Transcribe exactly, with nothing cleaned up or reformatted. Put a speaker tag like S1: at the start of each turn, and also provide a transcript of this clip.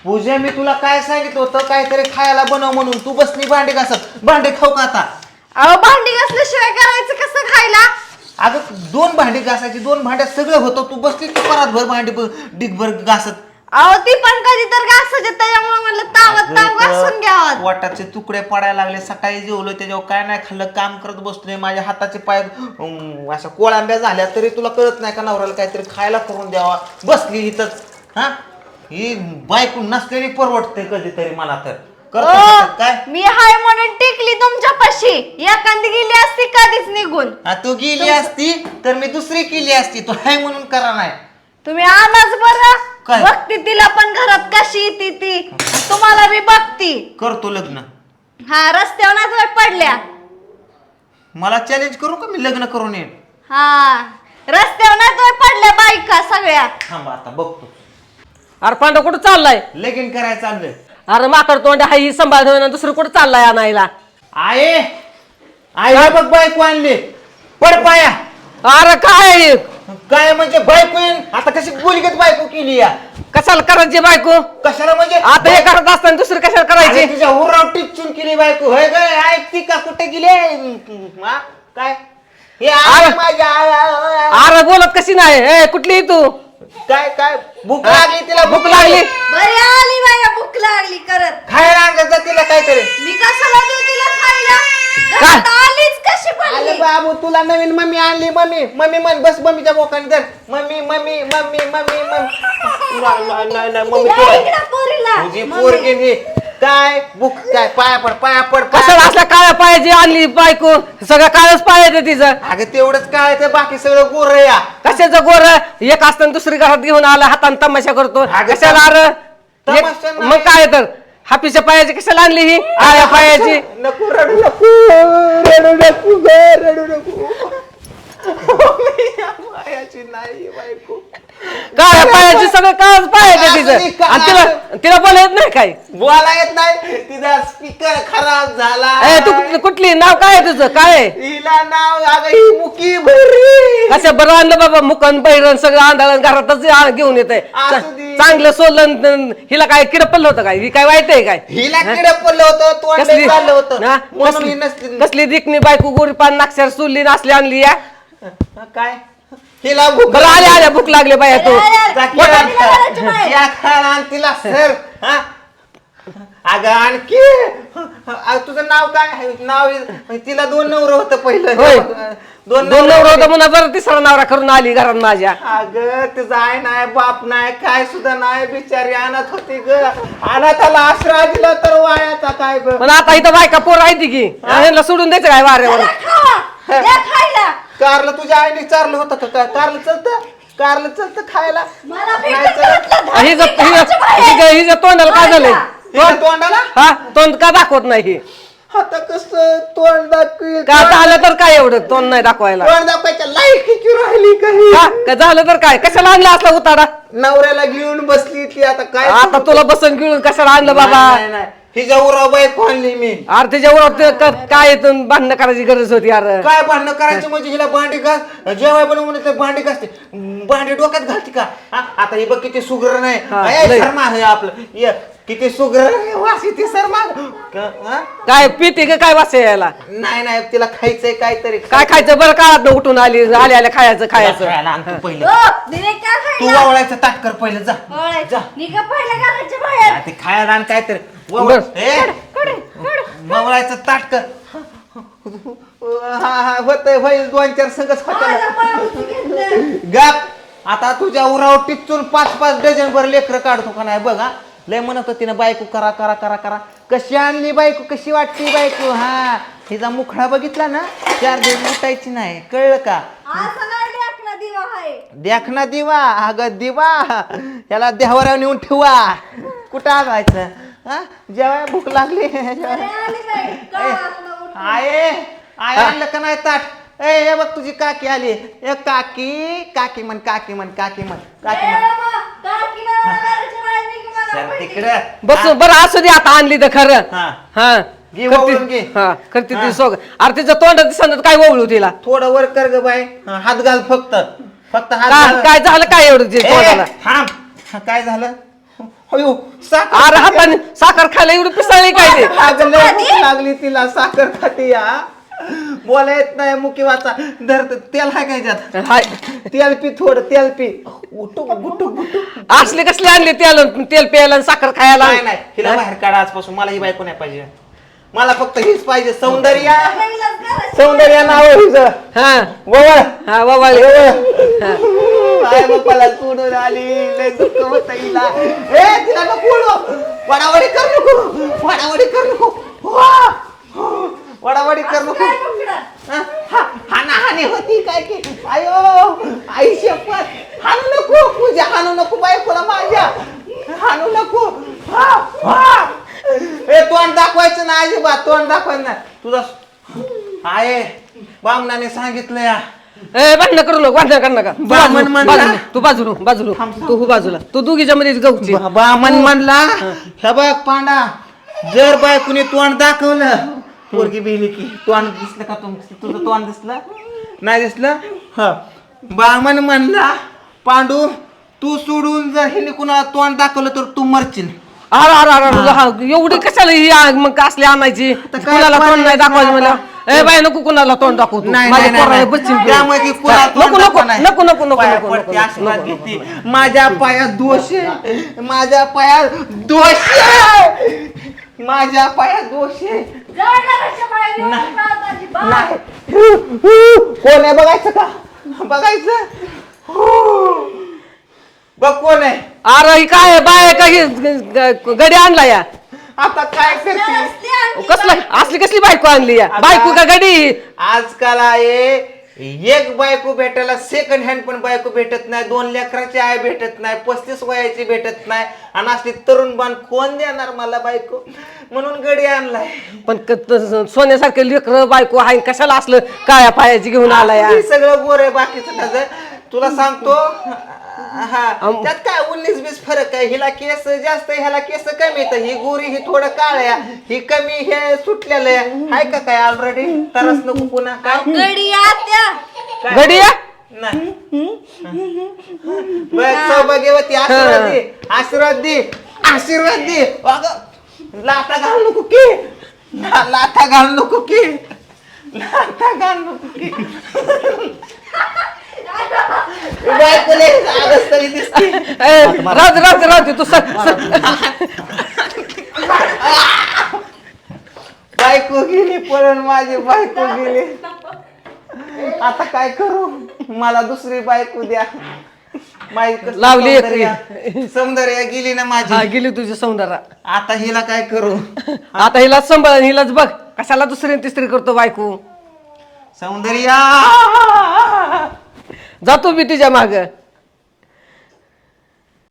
S1: पूजा मी तुला काय सांगितलं होतं काहीतरी खायला बनव म्हणून तू बसली भांडे घासत भांडे खाऊ का आता
S2: अहो भांडी घासल्याशिवाय करायचं कसं खायला
S1: अगं दोन भांडी घासायची दोन भांड्यात सगळं होतं तू बसली की परतभर भांडी डिगभर घासत
S2: अहो ती पण कधी तर घासायचे त्याच्यामुळे म्हणलं तावत ताव घासून घ्यावं
S1: वाटाचे तुकडे पडायला लागले सकाळी जेवलो त्याच्यावर काय नाही खाल्लं काम करत बसलोय माझ्या हाताचे पाय अं, अशा कोळांब्या झाल्या तरी तुला कळत नाही का नवऱ्याला काहीतरी खायला करून द्यावा बसली इथंच हा ही बायको नसलेली परवडते कधीतरी मला तर करतो काय
S2: मी हाय म्हणून टिकली तुमच्यापाशी एखादी गेली असती कधीच निघून
S1: तू गेली असती तर मी दुसरी केली असती तू हाय म्हणून करा नाही
S2: तुम्ही आलाच बरं
S1: काय?
S2: बघती तिला पण घरात कशी येते ती तुम्हाला मी बघती
S1: करतो लग्न
S2: हा रस्त्यावर नाही पडल्या
S1: मला चॅलेंज करू का मी लग्न करून येईन
S2: हा रस्त्यावर नाही पडल्या बायका सगळ्या
S1: थांबा आता बघतो
S3: अरे पांडव कुठं चाललाय
S1: लगीन करायचं चाललंय
S3: अरे माकड तोंड हाय ही सांभाळ ठेवून दुसरं कुठं चाललाय आणायला
S1: आहे आहे बघ बायको आणली पड पाया
S3: अरे काय
S1: काय म्हणजे बायको येईन आता कशी बोलगत बायको केली या
S3: कशाला करायची बायको
S1: कशाला म्हणजे
S3: आता हे करत असताना दुसरं कशाला
S1: अरे
S3: करायची
S1: तुझ्या हुराव टिचून केली बायको होय गय ऐकती का कुठे गेले हा? काय हे आहे
S3: अरे.
S1: माझ्या
S3: अरे बोलत कशी नाही ए कुठली तू
S1: काय काय भूक लागली तिला
S3: भूक लागली
S2: बरी आली बाया भूक लागली करत
S1: खायला आणत जा तिला काहीतरी
S2: मी कशाला देऊ तिला खायला
S3: काय?
S2: घरात आलीच कशी
S1: आले
S2: पडली
S1: बाबू तुला नवीन मम्मी आणली मम्मी मम्मी म्हण बस मम्मीच्या बोकाने तर mummy mummy mummy mummy mummy नाही नाही मम्मी
S2: या
S1: तुला
S2: इकडं पोरीला
S1: तुझी
S2: मम्मी.
S1: पोरगी ही काय बुक काय पाया पड पाया पड पाया
S3: कशाला असल्या काळ्या पायाची आणली बायको सगळं काळच पायाचं तिचं
S1: पड. अगं तेवढंच काय ते बाकी सगळं गोर या
S3: कशाचं गोर एक असताना दुसरी घरात घेऊन आला हाताने तमाशा करतो
S1: अगं,
S3: कशाला अरे
S1: तमाशा
S3: एक-
S1: नाही.
S3: मग काय तर हापीच्या पायाची कशाला आणली ही काळ्या पायाची
S1: नको रडू नको रडू नको ग, रडू नको मी या मायाची नाही बायको
S3: काळ्या पायाची सगळं काळच पायाचं तिचं आणि तिला तिला बोला येत नाही काय
S1: बोला येत नाही तिचा स्पीकर खराब झाला
S3: ए तू कुठली- कुठली नाव काय आहे तुझं काय आहे?
S1: हिला नाव अगं ही मुकी भरी
S3: कशा बरं आणलं बाबा मुकन बैरण सगळं आंधळण घरातच आ- घेऊन येत
S1: असू दे.
S3: चांगलं सोलन न- हिला काय किड पडलं होतं काय ही काय वाईट आहे काय
S1: हिला किडे पडलं होतं तोंड
S3: कसली
S1: चाललं होतं
S3: हा?
S1: म्हणून
S3: कसली
S1: ही नसली
S3: कसली दिकनी बायको गोरी पान नाक्षर सुल्ली नासली आणली या
S1: हा, काय हिला भूक
S3: बरं आल्या आल्या भूक लागली बाया तू
S2: अरे, अरे,
S1: जा
S2: पोटात
S1: केळं
S2: तिला घालायची
S1: खा.
S2: बाहेर.
S1: या खायला आण तिला सर हा? अगं आणखी अगं, तुझं नाव काय आहे? नाव आहे- तिला दोन नवरं होतं पहिलं
S3: होय.
S1: दोन
S3: दोन नवरा होता
S1: नवरं
S3: म्हणा बरं तिसरा नवरा करून आली घरात माझ्या
S1: अगं तिचा आई नाही बाप नाही काय सुद्धा नाही बिचारी अनाथ होती ग अनाथाला आश्रय दिला तर वायाचा काय ग
S3: पण आता इथं बायका पोर आहे ती की ह्यांना सोडून द्यायचं काय वाऱ्यावर
S2: जरा खावा द्या खायला
S1: कारलं तुझ्या आईने चारलं होतं का काय कारलं चलतं कारलं चलतं खायला
S2: मला
S1: नाही
S2: भेटत
S1: चलत.
S2: नव्हतं.
S3: हिचं
S2: धाडसी घराच्या बाहेर.
S3: हिचं- हिचं तोंडाला काय झालंय
S1: हिच्या तोंडाला
S3: हा तोंड का दाखवत नाही
S1: आता कस तोंड दाखवी
S3: का आता आलं तर काय एवढं तोंड नाही दाखवायला
S1: तोंड दाखवायच्या लायकीची राहिली काही
S3: का का झालं तर काय कशाला आणलं असला उताडा
S1: नवऱ्याला घेऊन बसली ती आता काय
S3: आता तुला बसून घेऊन कशाला आणलं बाबा
S1: नाही, नाही, नाही. हिच्या उराव बायको आणली मी
S3: अरे त्याच्यावर काय इथून भांडणं करायची गरज होती यार
S1: काय भांडणं करायची म्हणजे हिला भांडी घास जेवाय बनवून म्हणून तर भांडी घासते भांडी डोक्यात घालते का हा? आता ही बघ किती सुग्र नाही
S3: हा,
S1: ए,
S3: लय.
S1: शर्मा हे आपलं ये, किती सुग्र वास येते शर्मा क- हा?
S3: काय पिते का काय वास यायला
S1: नाही नाही तिला खायचंय काहीतरी
S3: काय खायचं बरं काळात उठून आली आल्या आल्या खायचं खायचं
S1: खायला आण तू पहिलं
S2: ओ, दिले काय
S1: तू
S2: खायला
S1: वावळायचं ताट कर पहिलं जा
S2: ओळख.
S1: जा
S2: निघा पहिल्या घराच्या बाहेर
S1: हा, ते खायला आण काहीतरी वावळ.
S3: बरं.
S1: ए,
S2: कडे कडे
S1: वावळायचं ताट कर हा हा होतंय होईल दोन चार संघच
S2: माझं
S1: होत्या
S2: पाऊस घेतलं.
S1: गप आता तुझ्या उरावर टिचून पाच पाच डझन भर लेकर काढतो का नाही बघ हा लय म्हणत होती ना बायको करा करा करा करा कशी आणली बायको कशी वाटती बायको हा हिचा मुखडा बघितला ना चार दिवस उठायची नाही कळलं का
S2: असं नाही लेकना दिवा आहे
S1: देखना दिवा अगं दिवा याला देवाऱ्यावर नेऊन ठेवा कुठं आणायचं हा जेव्हा भूक लागली
S2: अरे आली बाई का असलं उठून?
S1: आये आय आणलं का नाही ताट ए हे बघ तुझी काकी आली ए काकी काकी म्हण काकी म्हण काकी म्हण काकी
S2: ए
S1: म्हण
S2: बाबा, काकीला मला घराच्या बाहेर निघ मला
S1: सर
S2: माहिती.
S1: तिकडं
S3: बस बरं असू दे आता आणली तर खरं
S1: हा.
S3: हा
S1: घे
S3: करती-
S1: वळून घे.
S3: हा करते
S1: हा.
S3: ती सोग अरे तिचं तोंड दिसत काय ओवळू तिला
S1: थोडं वर कर ग बाई हा, हात घाल फक्त फक्त हात
S3: का-
S1: घाल.
S3: काय झालं काय एवढं ते
S1: ए,
S3: तोंडाला
S1: थांब हा, काय झालं अयो साखर
S3: अरे हाताने साखर खायला एवढी पिसाळली काय ते
S1: अगं, लय भूक लागली तिला साखर खाती या बोला येत नाही मुकी वाचा धर तेल हाय काय त्यात
S3: हाय
S1: तेल पी थोडं तेल पी उठू गुटू गुटू
S3: असले कसले आणले तेल तेल प्यायला आणि साखर खायला
S1: नाही नाही हिला बाहेर काढा आजपासून मला ही बायको नाही पाहिजे मला फक्त हीच पाहिजे सौंदर्या सौंदर्या नाव हिचं
S3: हा
S1: वळ
S3: हा बाबा
S1: आई बापाला सोडून आली लय दुःख होत हिला ए तिला नको ओढू. वडावडी कर नको वडावडी कर नको वा. वडावडी कर नको हा, हा, हाणाहाणी होती काय की आयो आई शपथ हाणू नको पूजा हाणू नको बायकोला माझ्या हाणू नको हा, हा. ए तोंड दाखवायचं ना अजिबात तोंड दाखवायचं ना तुझा आहे बामणाने सांगितलं या
S3: ए भांडण करू नको भांडण कर नका तू
S1: बामण
S3: बाजूला,
S1: म्हणला.
S3: बाजूला, तू बाजूला बाजूला तू हो बाजूला तू दोघीच्या मध्ये गहूची
S1: बामण म्हणला हे बघ पांडा जर बायकोने तोंड दाखवलं पोरगी बिली की तोंड दिसलं का तुम तुझं तोंड दिसलं नाही दिसलं ह बामण म्हणला पांडू तू सोडून जर हिने कुणाला तोंड दाखवलं तर तू मरशील
S3: अरे अरे अरे अरे, हा, एवढी कशाला ही आ- मग असली आणायची
S1: काय
S3: कुणाला तोंड नाही
S1: पर्याय
S3: दाखवायचं
S1: नाही
S3: मला ए बाय नको कुणाला तोंड दाखवू तू.
S1: नाही
S3: माझ्या
S1: नाही,
S3: पोराला
S1: नाही
S3: बच्चीन
S1: नाही.
S3: घेऊन.
S1: त्यामुळे ती कुणाला
S3: नको
S1: तोंड
S3: नको
S1: दाखवा नाही.
S3: नको नको नको
S1: पाया
S3: नको
S1: पडते,
S3: नको,
S1: आशीर्वाद
S3: नको,
S1: घेते.
S3: नको.
S1: माझ्या पायात दोष आहे माझ्या पायात दोष आहे माझ्या पायात दोष आहे नाही कोण आहे बघायचं का बघायचं बघ कोण आहे
S3: अरे ही काय आहे? बाय आहे का ही ग- ग- गडी आणला या
S1: आता काय करते
S3: कसलं असली कसली बायको आणली या बायको का गडी
S1: आजकाल आहे एक बायको भेटायला सेकंड हँड पण बायको भेटत नाही दोन लेकराची आई भेटत नाही पस्तीस वयाची भेटत नाही आणि असली तरुण बाण कोण देणार मला बायको म्हणून गडी आणलाय
S3: पण क- त- सोन्यासारखे लेकर बायको आहे कशाला असलं काळ्या पायाची घेऊन आला या
S1: हे सगळं गोर आहे बाकीचं त्याचं तुला सांगतो हा त्यात काय उन्नीस बीस फरक आहे हिला केस जास्त आहे, ह्याला केस कमी येतं ही गोरी ही थोडं काळ आहे ही कमी हे सुटलेलं आहे हाय का काय ऑलरेडी तरच नको पुन्हा काय
S2: गडी आत्या
S1: काय?
S3: गडी या
S1: नाही बघ सौभाग्यवती आशीर्वाद दे आशीर्वाद दे आशीर्वाद दे अगं लाथा घाल नको की ला- लाथा घाल नको की लाथा घाल नको की बायकोले आगस तरी दिसते
S3: ए, राहू दे, राहू दे, राहू दे, तू सर
S1: बायको गेली पळून माझी बायको गेली आता काय करू मला दुसरी बायको द्या माझी कसली
S3: लावली एक.
S1: सौंदर्या सौंदर्या गेली ना
S3: हा
S1: माझी
S3: गेली तुझी सौंदर्या
S1: आता हिला काय करू
S3: आता हिलाच सांभाळ आणि हिलाच बघ कशाला दुसरी आणि तिसरी करतो बायको
S1: सौंदर्या
S3: जातो मी तिच्या माग